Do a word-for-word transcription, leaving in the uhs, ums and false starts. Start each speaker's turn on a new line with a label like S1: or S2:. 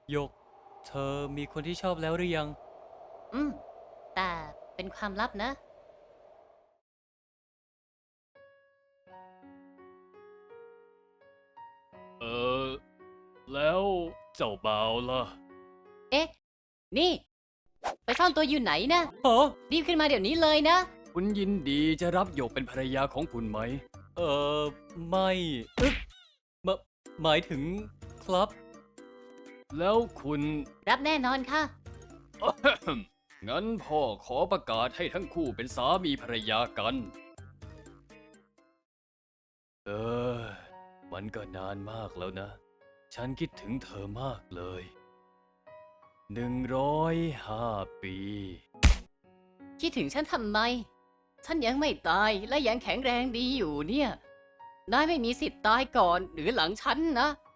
S1: หยก เธอมีคนที่ชอบแล้วหรือยัง
S2: อืม แต่เป็นความลับนะ
S1: เออ แล้วเจ้าบ่าวล่ะ
S2: เอ๊ะ นี่ ไปซ่อนตัวอยู่ไหนนะ
S1: ฮะ
S2: รีบขึ้นมาเดี๋ยวนี้เลยนะ
S1: คุณยินดีจะรับหยกเป็นภรรยาของคุณไหม เออ ไม่อึ๊บมะหมายถึงครับ แล้วคุณ
S2: รับแน่นอนค่ะ
S1: งั้นพ่อขอประกาศให้ทั้งคู่เป็นสามีภรรยากัน เออ มันก็นานมากแล้วนะ ฉันคิดถึงเธอมากเลย หนึ่งร้อยห้าปี
S2: คิดถึงฉันทำไม ฉันยังไม่ตายและยังแข็งแรงดีอยู่เนี่ย นายไม่มีสิทธิ์ตายก่อนหรือหลังฉันนะ